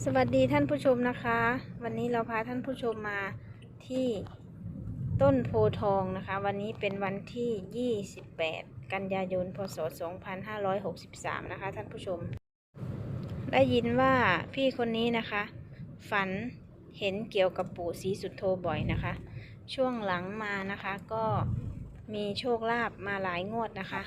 สวัสดีท่านผู้ชมนะคะ วันนี้เราพาท่านผู้ชมมาที่ต้นโพทองนะคะวันนี้เป็นวันที่ 28 กันยายน พศ 2563 นะคะท่านผู้ชมได้ยินว่าพี่คนนี้นะคะฝันเห็นเกี่ยวกับปู่ศรีสุโธบ่อยนะคะช่วงหลังมานะคะก็มีโชคลาภมาหลายงวดนะคะ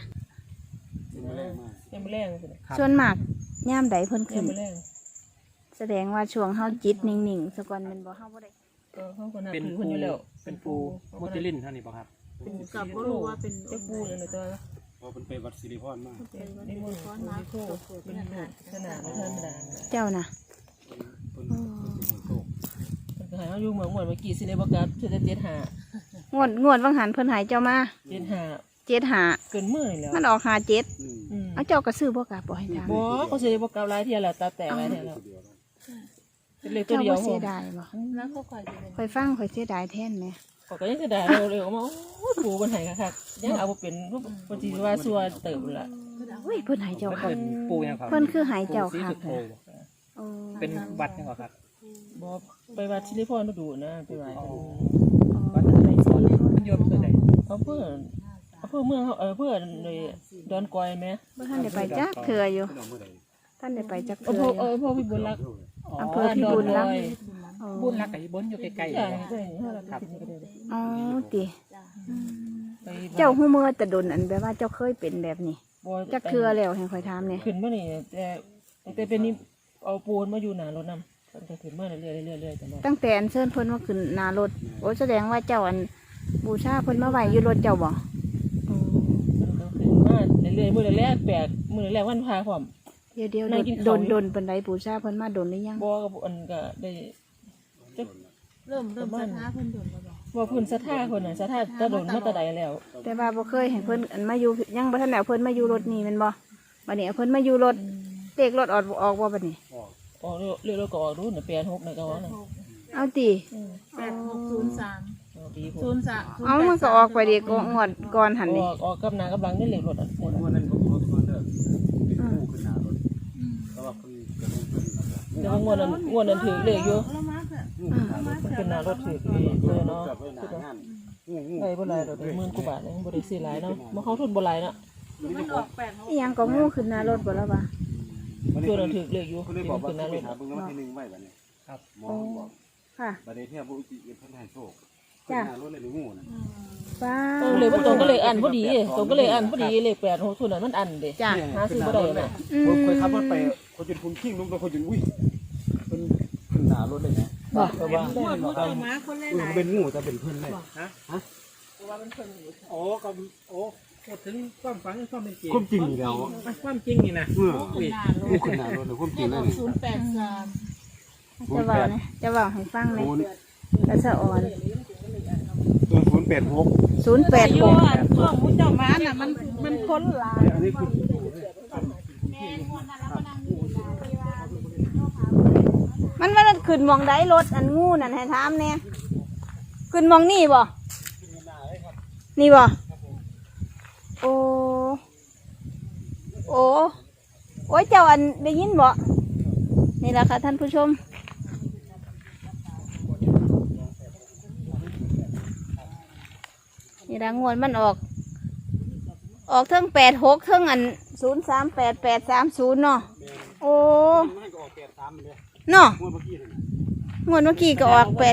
ยังไม่แรงสิส่วนมากย่ามใดเพิ่นยัขึ้งนไม่แรงแสดงว่าช่วงเฮาจิตนิ่งๆสกอนเป็นบ่เฮาบ่ได้เขาก็นับเป็นถือปูคนอยู่แล้วเป็นปูมุจลินเท่านี้ป่ะครับเป็นกับก็รู้ว่าเป็นเจ้าปูเลยนะตัวพอเป็นไปวัดสิริพรมากเป็นนิมนต์ปูนิโคเป็นลูกขนาดไม่ธรรมดาเจ้าน่ะเป็นโชคมันก็หายเขาอยู่เมืองหมดเมื่อกี้สิเลยประกาศเพื่อจะงวดวังหันเพิ่นใหายเจ้ามาเจ็ดหา 75 เกินมือแล้วมันออก57 อืมเอาเจ้าก็ซื้อบ่กล้าบ่ให้ถามบ่เขาสิเลยประกาศหลายเที่ยแล้วตาแตกหลายเที่ยแล้วเป็นเลขตัวเจ้าเดียวบ่เสียดายบ่แล้วก็คอยข่อยฟังข่อยเสียดายแทนแหมเขาก็ยังจะได้เร็วๆมาโอ้ปูมันหายคักๆยังเอาบ่เป็นปฏิว่าซัวเติบละเฮ้ยเพิ่นใหายเจ้ามันคักเป็นปูยังครับเพิ่นคือใหายเจ้าปูศรีคัสุกโธโอ้เป็นวัดยังครับบ่ไปวัดสิริพรดูนะไปไหว้วัดอะไรก่อนมันโยมเพื่อไหนเอาเพื่อเมืองเขาเพื่อเลยดอนกอยไหมบ่ทันได้ไปจักเทื่ออยู่เป็นเอาเมื่อใดท่านได้ไปจักเอาเทื่พอวกอยู่พวกพี่บุญรักอำเภอพิบูลรักษ์ อ๋อบุญรักกับบุญอยู่ใกล้ๆใช่เลยใช่ครับอ๋อติไปเจ้าฮู้มื้อแต่ดนอันแบบว่าเจ้าเคยเป็นแบบนี้จักเทื่อแล้วให้ข่อยถามแหน่ขึ้นมานี่แต่เป็นนี่เอาปูนมาอยู่หนารถนำตั้งแต่ขึ้นมาเรื่อยๆตลอดตั้งแต่อันเชิญเพิ่นมาขึ้นหน้ารถโอ้แสดงว่าเจ้าอันบูชาเพิ่นมาไว้อยู่รถเจ้าบ่ขึ้นมาเรื่อยๆมือแรกแปลกมือแรกวันพาพร้อมเดี๋ยวนั่งกินโดข้าวน อยู่โดนปานใดบูชาเพิ่นมาโดนหรือยังบ่กับอันก็ได้จักเริ่มศรัทธาเพิ่นโดนแล้วบ่บ่เพิ่นศรัทธาคนน่ะศรัทธาตะโดนมาแตะใดแล้วแต่ว่าบ่เคยเห็นเพิ่นอันมาอยู่ยังบ่ทันได้เอาเพิ่นมาอยู่รถนี่แม่นบ่บัดนี้เอาเพิ่นมาอยู่รถเลขรถออกบ่บัดนี้ออกเรื่อยๆก็ออกรู้น่ะ86น่ะก็ว่าน่ะเอาติ 8603 ดีผม 03 เอามันก็ออกไปดิก็งวดก่อนหั่นนี่ออกกับหน้ากับหลังนี่เหล็กรถอ่ะวันนั้นผมเขาเลิกเป็นผู้ขึ้นหน้ารถแต่ว่าเพิ่นเกิดเพิ่นเดี๋ยวงวดนั้นถือเลขอยู่แล้วมาเถอะมันเป็นหน้ารถถือเลยเนาะเกิดไว้หน้างานงูได้บ่หลายดอก10,000กว่าบาทเองบ่ได้ซื้อหลายเนาะบ่เข้าทุนบ่หลายเนาะมันออก8 อีหยังก็งูขึ้นหน้ารถบ่แล้วว่าตัวนั้นถือเลขอยู่เพิ่นเลยที่บอมักนว่าขึ้นหเพิ่น้าน รถไปหาเบิ่งแล้ววันที่1ไว้บัดนี้ครับหมอบอกค่ะบัดนี้เที่ยผู้ที่เพิ่นให้โชคขึ้นหน้ารถเลยงูน่ะป้าเลขมันตรงก็เลขอันพอดีตรงก็เลขอันพอดีเลข86ทุนนั้นมันอันเด้จ้ะหาซื้อบ่ได้น่ะผมเคยขับรถไปคนจนคุณขิ้งลงตัวคนจนอุ้ยเพิ่นขึ้นหน้ารถเลยนะบ่แต่ว่าหมดผู้เจ้ามาคนหลายเป็นงูแต่เป็นเพิ่นเลยโอ้ก็โอ้พูดถึงความฝันความเป็นจริงความจริงนี่แล้วความจริงนี่นะงูขึ้นหน้ารถเลยความจริงนั่นนี่ 083 จะเว้านะจะเว้าให้ฟังเลยกระสะอ่อน 086 อยู่ 086 อ่ะช่วงผู้เจ้ามาน่ะมันคนหลายอันนี้คือมันขึ้นหมองใดรถอันงูนั่นให้ถามแน่ขึ้นหมองนี่บ่นี่บ่โอ้โอ้โอ้ยเจ้าอันได้ยินบ่นี่แหละค่ะท่านผู้ชมนี่ละงวดมันออกเทิง86เทิงอัน038830เนาะโอ้มันก็ออก83เลยเนาะงวดเมื่อกี้นี่งวดเมื่อกี้ก็ออก83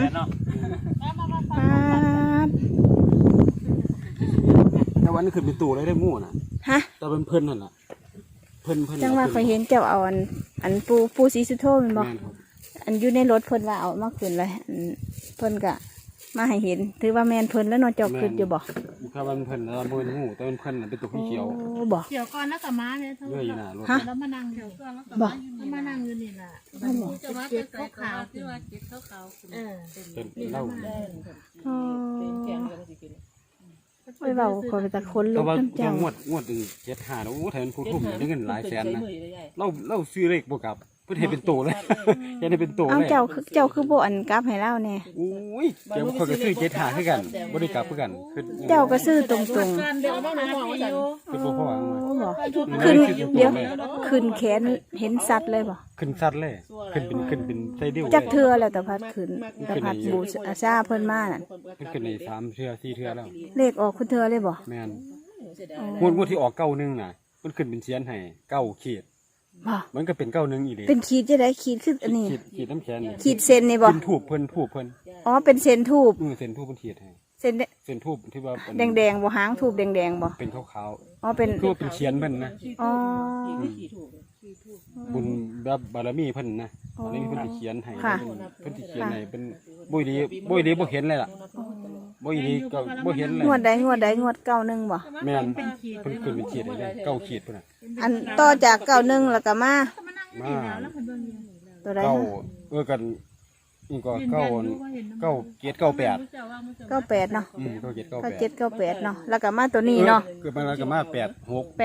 แต่วันนี้ขึ้นเป็นตู่เลยได้งูน่ะฮะแต่เป็นเพิ่นนั่นน่ะเพิ่นจังว่าเคยเห็นเจ้าเอาอันปูสีสุโธแมันบ่แม่นครับอันอยู่ในรถเพิ่นว่าเอามาขึ้นเลยอันเพิ่นก็มาให้เห็นถือว่าแม่นเพิ่นแล้วเนอนเจ้าขึ้นอยู่บ่ถ้ามันเพิ่นแล้วบ่เป็นงูแต่เป็นเพิ่นน่ะเป็นตัวเขียวโอ้บ่เดี๋ยวก่อนแล้วก็มาเนี่ยเลื่อยอยู่หน้ารถฮะแล้วมานั่งเดี๋ยวก่อนแล้วก็บ่มานั่งอยู่นี่ล่ะนั่นบ่จะมาเป็นขาวๆที่ว่าเจ็ดขาวๆเออเป็นเหล้าอ๋อแกงก็สิกินโอ้ยเว้าก็เป็นตะคนลูแต่กว่าน้ำเจ้างวดนึง75แล้วโอ้แทนผู้ทุ่มได้เงินหลายแสนนะเราซื้อเลขบ่กลับเพิ่นให้เป็นโตเลยยังได้เป็นโตเอาเลยเจ้าคือบ่อันกลับให้เราแน่โอ้ยเดี๋ยวเขาก็ซื้อ75คือกันบ่ได้กลับคือกันคือเจ้าก็ซื้อตรงเดี๋ยวเอามาหน่อยว่าซั่นคือบ่พอเอามาๆโอ้บอกขึ้ขึ้นนเดี๋ยวขึ้นแขนเห็นสัตว์เลยบ่ขึ้นสัตว์เลยขึ้นเป็นไส้เดียวจักเทือแล้วตะพัดขึ้นตะพัดบูชาเพิ่นมานั่นขึ้นใน3เทื่อ4เทื่อแล้วเลขออกคุณเทือเลยบ่แม่นเสียดายงวดที่ออก91น่ะมันขึ้นเป็นเสียนให้9ขีดบ่มันก็เป็น91อีหลีเป็นขีดจะได้ขีดขึ้นอันนี้ขีดน้ำแข็งนี่ขีดเส้นนี่บ่เป็นทูบเพิ่นอ๋อเป็นเส้นทูบเส้นทูบเพิ่นขีดให้เส้นเส้นทูบที่ว่าเป็นแดงๆบ่หางทูบแดงๆบ่เป็นขาวอ๋อเป็นๆคือว่าเป็นเขียนเพิ่นนะอ๋อขี่ถูกบุญแบบบารมีเพิ่นนะบารมีเพิ่นสิเขียนให้เพิ่นสิเขียนให้เป็นบ่ดีบ่เห็นเลยล่ะบ่ดีก็บ่เห็นเลยงวดใดงวด91บ่แม่นเพิ่นขึ้นเป็นขีดให้เลย9ขีดพุ่นน่ะอันต่อจาก91แล้วก็มามาตัวใดเก้านะกันนี่ก็เก้าเกียรติ98 98เนาะ 97 98 9798เนาะแล้วก็มาตัวนี้เนาะเกิดมาแล้วก็มา86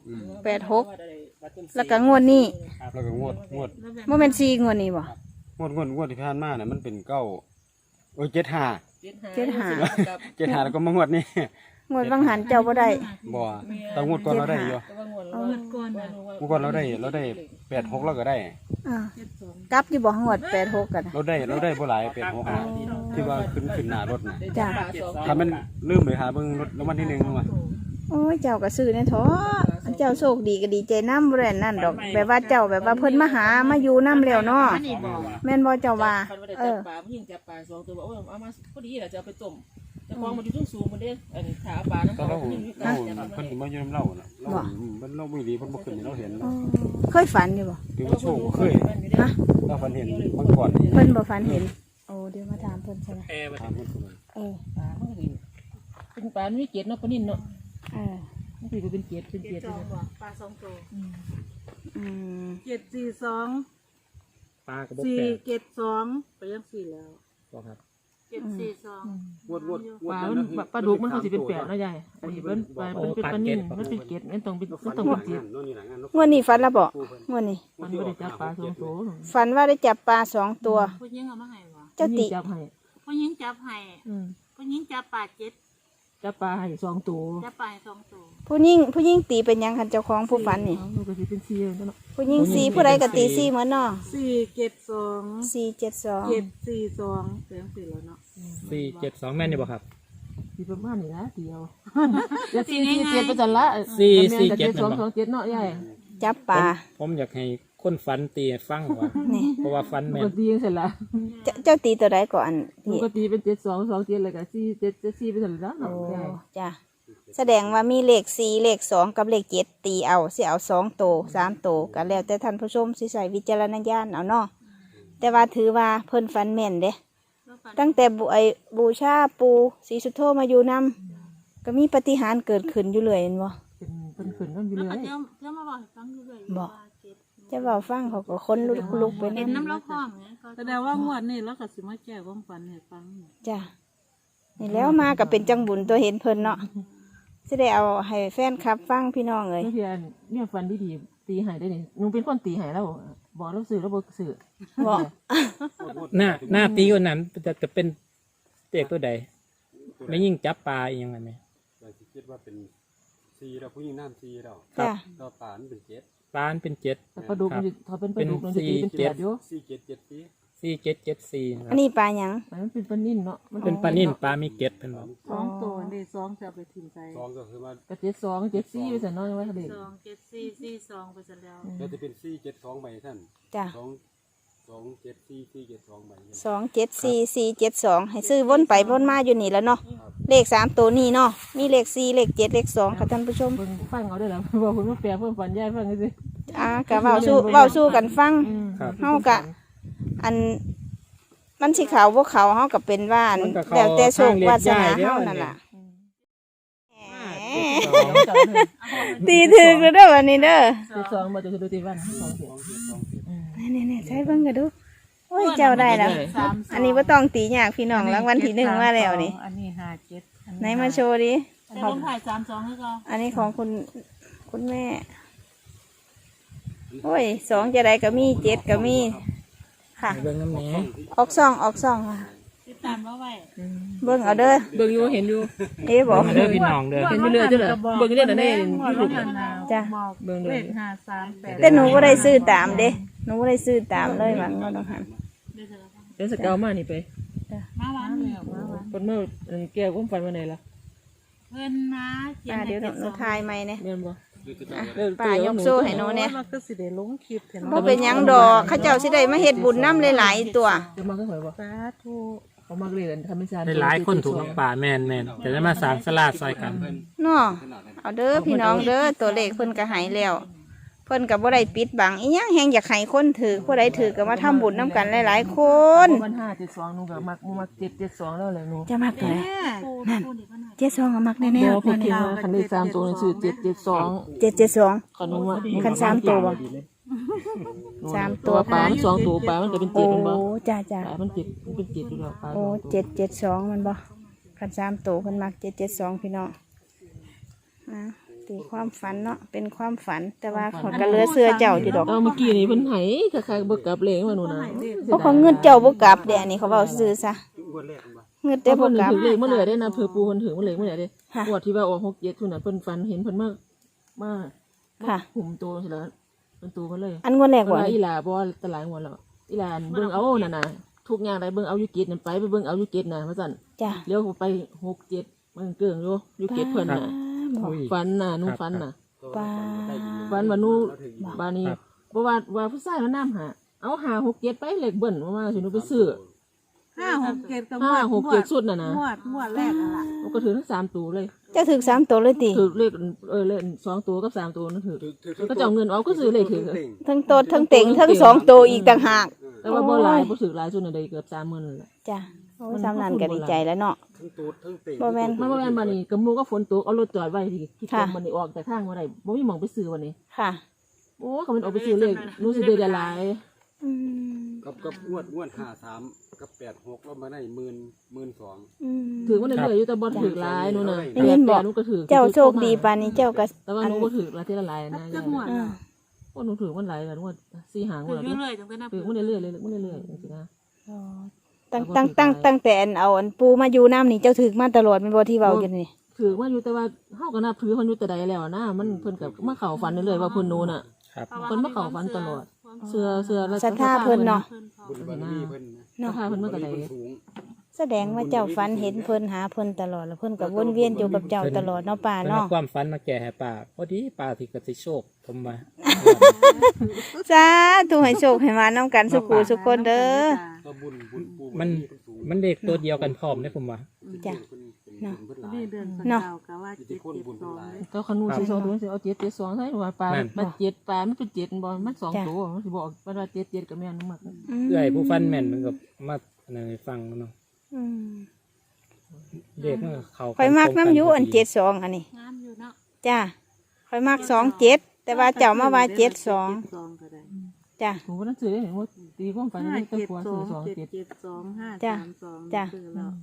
86แล้วก็งวดนี้แล้วก็งวดบ่แม่น4งวดนี้บ่ที่ผ่านมาน่ะมันเป็น9โอ้ย75 75แล้วก็มางวดนี้งวดบางหันเจ้าบ่ได้บ่แตงวดก่อนเราได้อยู่ก่อนน่ะงวดก่อนเราได้86แล้วก็ได้อ่ากลับอยู่บ่งวด86กันน่ะเราได้บ่หลาย86นะที่ว่าขึ้นหน้ารถน่ะจ้ะถ้ามันลืมไปหาเบิ่งรถรางวัลที่1ว่าโอ้ยเจ้าก็ซื้อแน่ท้อเจ้าโชคดีก็ดีใจนำบ่ได้นั่นดอกแบบว่าเจ้าแบบว่าเพิ่นมาหามาอยู่นำแล้วเนาะอันนี้บอกแม่นบ่เจ้าว่าคันว่าได้จับปลาผู้หญิงจับปลา2ตัวบอกว่าเอามาพอดีแหละจะเอาไปต้มจะมองมันอยู่สูงๆมันเด้อันขาปลาน้ำตอนเขาเราผู้หญิงเพิ่นมาอยู่นำเราน่ะเราบ่ดีเพิ่นบ่ขึ้นให้เราเห็นอ๋อเคยฝันอยู่บ่คือว่าโชคเคยฮะเราฝันเห็นบางก่อนเพิ่นบ่ฝันเห็นโอ้เดี๋ยวมาถามเพิ่นใช่ไหมถามเพิ่นก่อนเออปลามันก็ดีเป็นปลาไม่เกล็ดเนาะปลานิ่นเนาะเออมันคือเป็นเกล็ดเป็นเกล็ดสองบอกปลาสองตัวอืม 742 ปลากระบอก 472ไปยัง4แล้วครับ 742 งวดปลามันปลาดุกมันเขาสิเป็นแปดเนาะยายอันนี้เป็นปลาเป็นปลานิ่นมันเป็นเกล็ดมันต้องเป็นเกล็ดงวดนี้ฝันและบ่งวดนี้มันไม่ได้จับปลาสองตัวฝันว่าได้จับปลา2ตัวผู้หญิงเอามาให้บ่เจ้าติจับให้ผู้หญิงจับให้ผู้หญิงจับปลา7 จับปลาให้2ตัวจับปลาสองตัวผู้หญิงตีเป็นหยังคันเจ้าของผู้ฝันนี่มันก็สิเป็น4เนาะผู้หญิงสีผู้ใดก็ตีสีเหมือนเนาะ 472 472 742ไปยัง4แล้วเนาะ 472แม่นอยู่บ่ครับสิประมาณนี้นะเดียวจะ447ไปจันละ 447 227เนาะยายจับปลาผมอยากให้คนฝันตีให้ฟังว่านี่เพราะว่าฝันปแม่กนติยังเสร็จละเจ้าตีตัวใดก่อนปนี่กติเป็น7227เลยก็474ไปจันละโอ้เนาะยายจ้ะแสดงว่ามีเลข4เลข2กับเลข7ตีเอาสิเอา2โตว3โตวก็แล้วแต่ท่านผู้ชมสิใส่วิจารณญาณเอาเนาะแต่ว่าถือว่าเพิ่นฝันแม่นเด้ตั้งแต่บูชาปูศรีสุโธมาอยู่นำก็มีปาฏิหาริย์เกิดขึ้นอยู่เลยเห็นบ่เป็นขึ้นมันอยู่แล้วเลก็ยเที่ยวมาบอกให้ฟังอยู่เลยบอกว่าเจ็ดจะเว้าฟังเขาก็คนลุกๆไปเห็นนำน้ำเราคล้องเนี่ยก็แสดงว่างวดนี้เราก็สิมาแก้ความฝันให้ฟังจ้ะนี่แล้วมาก็เป็นจังบุญตัวเห็นเพิ่นเนาะสิได้เอาให้แฟนคลับฟังพี่น้องเอ้ยเพื่อนเนี่ยฟันดีๆตีหายได้นี่หนูเป็นคนตีหายแล้วบอกเราสื่อแล้วบอกสื่อบอกหน้าตีคนนั้นจะเป็นเตกตัวใดไม่ยิ่งจับปลาอีกยังไงไหมแต่สิคิดว่าเป็น4แล้วผู้หญิงน้ำ4แล้วจ้ะต่อปานเป็น7 ปลาเป็น7 แต่ปลาดุกมันเขาเป็นปลาดุกมันจะตีเป็น8อยู่ 4774 อันนี้ปลาหยังมันเป็นปลานิ่นเนาะเป็นปลานิ่นปลามีเกล็ดเพิ่นบอก 2ตัวนี่2จะเอาไปถิ่มใส่ 2ก็คือว่ากระ72 74ไปใส่น้อยไว้เขาเด็ก 2 7 4 4 2ไปซะแล้วก็จะเป็น472ใบท่านจ้ะ 274 472ใบ 274472ให้ซื้อวนไปวนมาอยู่นี่แล้วเนาะเลข3ตัวนี้เนาะมีเลข4เลข7เลข2ค่ะท่านผู้ชมเพิ่งฟังเอาได้แล้วบอกคุณว่าแปลเพิ่มฝันยายฟังสิก็เว้าสู้กันฟังครับเฮากะอันมันสิเขาบ่เขาเฮาก็เป็นว่าอันมันก็เข้าแล้วแต่โชควาสนาทางเลียดย้ายเด้อเฮานั่นล่ะ 72 ตีถึกแล้วเด้อวันนี้เด้อ 72มาจะดูตีวัน2เสียนี่ๆใช้เบิ่งกันดูโอ้ยเจ้าได้แล้ว อันนี้บ่ต้องตียากพี่น้องรางวัลที่1มาแล้วนี่อันนี้57 ไหนมาโชว์ดิแต่ลงถ่าย32ให้ก็อันนี้ของคุณแม่ โอ้ย2จะได้ก็มี7ก็มีค่ะเบิ่งน้ำแหน่ออกซ่องค่ะ 17 ตามว่าไว้เบิ่งเอาเด้อเบิ่งอยู่เห็นอยู่เอ๊ะบอกเด้อพี่น้องเด้อเห็นอยู่เรื่อยจ้ะเหรอเบิ่งอยู่เรื่อยน่ะแน่บอกแล้วนะจ้ะบอกเบิ่งเลเด้อข538 แต่หนูบ่ได้ซื้อตามเด้หนูบ่ได้ซื้อตามเลยมันก็ต้องหันเดี๋ยวสเกามานี่ไปมาวันนี้เพิ่นมาแก้ความฝันวันไหนล่ะเพิ่นมาเขียนเดี๋ยวหนูทายใหม่เนี่ยแม่นบ่ป้ายกโซ่ให้หนูเนี่ยมันก็สิได้ลงคลิปเห็นบ่เป็นหยังดอกเขาเจ้าสิได้มาเฮ็ดบุญนำหลายๆตัวจะมาก็หอยบ่สาธุเขามาเลยทำเป็นซานหลายๆคนถูกน้ำป่าแม่นจะได้มาสร้างศาลาซอยกันเนาะเอาเด้อพี่น้องเด้อตัวเลขเพิ่นก็ใหายแล้ว เพิ่นก็บ่ได้ปิดบังอีหยังแฮงอยากให้คนถือผู้ใดถือก็มาทำบุญนํกันหลายๆคนวัน572หนูก็มัก772แล้วแหละหนูจะมักตัวไหนนั่น 72ก็มักแน่บ่เพิ่นคิดว่าคันเลข3ตัวนี่ชื่อ772 ๆ772 คันว่าคัน3ตัวบ่ สามตัวปลามัน2ตัวปลามันก็เป็นโอ้ 7มันบ่จ้าปลามัน7มันเป็น7อยู่แล้วปลาโอ้772มันบ่คัน3ตัวเพิ่นมัก772พี่น้องนะตีความฝันเนาะเป็นความฝันแต่ว่าเขาก็เหลือเสื้อเจ้าอยู่ดอกเมื่อกี้นี่เพิ่นให้คล้ายๆบ่กลับเลขว่าหนูนะเพราะเขาเงินเจ้าบ่กลับเด้อันนี้เขาเว้าซื่อซะเงินแต่แต่เพิ่บ่นกลับถือเลขมาเลยได้นะเผื่อปูเพิ่นถือมาเลขมาเลยเด้ค่ะงวดที่ว่าออก67ทุนน่ะเพิ่นฝันเห็นเพิ่นมาค่ะหุ่มโตใช่แล้วมันโตมาเลยอันงวดแรกเพิ่นบ่ว่าอีหลาบ่ตะหลายงวดแล้วอีหลาเบิ่งเอานั่นน่ะทุกอย่างใดเบิ่งเอาอยู่เกตนั่นไปเบิ่งเอาอยู่เกตน่ะว่าซั่นจ้ะเลี้ยวไป67มันเกิ่งอยู่เกตเพิ่นน่ะบ่อุ้ยฝันน่ะหนูฝันน่ะป้าฝันว่าหนูบานี้บ่ว่าผู้ชายมานํหาเอา567ไปเลขเบิ่นว่าสิหนูไปซื้อ 567ก็ 567สุดน่ะนะงวดแรกนั่นล่ะมันก็ถือทั้ง3ตัวเลยเจ้าถึก3ตัวเลยติถือเลขเลข2ตัวกับ3ตัวนั่นถือก็จะเอาเงินเอาก็ซื้อเลขถือทั้งโตดทั้งเต่งทั้ง2ตัวอีกต่างหากแต่ว่าบ่หลายบ่ถือหลายสุดน่ะได้เกือบ30,000นั่นแหละจ้ะโอ้สำนันก็ดีใจแล้วเนาะทั้งตูดทั้งเต่งบ่แม่นมันบ่แม่นบัดนี้กะหมู่ก็ฝนตกเอารถจอดไว้ที่ค่ะตรงมันนี่ออกแต่ทางบ่ได้บ่มีหม่องไปซื้อวันนี้ค่ะโอ้เขามันออกไปซื้อเลขหนูสิได้หลายอืมกับงวด53กับ86แล้วมาได้12,000 อืมถือว่าเรื่อยๆอยู่แต่บ่ถือหลายหนูน่ะได้ยินบอกหนูก็ถือเจ้าโชคดีปานนี้เจ้าก็แต่ว่าหนูบ่ถือละทีละหลายนะจักงวดอ่าโอ้หนูถือมันหลายแล้วหนูว่า4หางถืว่าอแล้วเรื่อยๆจังเป็นนับถือมันเรื่อยๆเลยมันเรื่อยๆจังซี่นะอ๋อตั้งแต่อันเอาอันปูมาอยู่น้ำนี่เจ้าถึกมาตลอดเป็นบ่ที่เว้าอยู่นี่ถือว่าอยู่แต่ว่าเฮาก็นับถือเพิ่นอยู่แต่ใดแล้วนะมันเพิ่นก็มาเข้าฝันเรื่อยๆว่าเพิ่นหนูน่ะครับเพิ่นมาเข้าฝันตลอด เสื้อแล้วศรัทธาเพิ่นเนาะบุญบารมีเพิ่นนะเนาะเพิ่นมาแต่ใดเพิ่นสูงแสดงว่าเจ้าฝันเห็นเพิ่นหาเพิ่นตลอดแล้วเพิ่นก็วนเวียนอยู่กับเจ้าตลอดเนาะป่าเป็นเนาะความฝันมาแก่ให้ป่าพอดีป่าที่กสิโชคผมมาสาธุให้โชคให้มานํกันสุขูสุขคนเด้อก็บุญปูมันมันเด็กตัวเดียวกันพร้อมได้ผมว่าจ้ะเนาะเพิ่นหลายนี่เดือนสเนาะกาวก็ว่าอิทธิพลบุญเพิ่นหลายก็ขนูสิ2ตัวสิเอา772ใส่ว่าปลามัน7ปลามันเป็น7บ่มัน2ตัวมันสิบอกว่า7ก็แม่นมักเอื้อยผู้ฟันแม่นมันก็มาอันนั้นให้ฟังเนาะอืมเด็กมันก็เขาข่อยมักน้ำอยู่อัน72อันนี้งามอยู่เนาะจ้ะข่อยมัก27แต่ว่าเจ้ามาว่า72 ก็ได้จ้ะผมก็นั่งซื้อได้เห็นว่าตีความฝันนี่ก็ควรซื้อ 572 จ้ะ 532 จ้ะซื้อแล้ว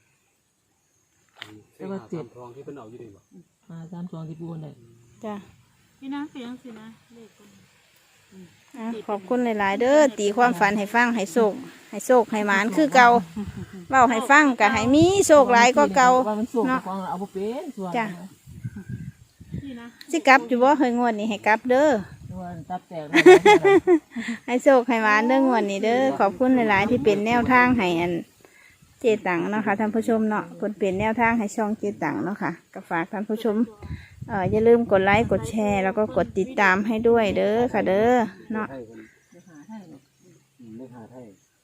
แต่ว่า7 ทองที่เพิ่นเอาอยู่นี่บ่มา32ที่ปูนได้จ้ะพี่นะเสียงสินะเลขคนอ่ะขอบคุณหลาย ๆ เด้อตีความฝันให้ฟังให้โศกให้หมานคือเก่าเว้าให้ฟังก็ให้มีโศกหลายก็เก่าว่ามันสูงเนาะฟังเอาบ่เป็นส่วนจ้ะพี่นะสิกลับอยู่บ่เฮยงวดนี้ให้กลับเด้อว่าตับแตกให้โศกให้หมานเด้องวดนี้เด้อขอบคุณหลาย ๆ ที่เป็นแนวทางให้อันเจตังเนาะค่ะท่านผู้ชมเนาะเพิ่นเป็นแนวทางให้ช่องเจตังเนาะค่ะก็ฝากท่านผู้ชมอย่าลืมกดไลค์กดแชร์แล้วก็กดติดตามให้ด้วยเด้อค่ะเด้อเนาะไทยเพิ่นไม่หาไทย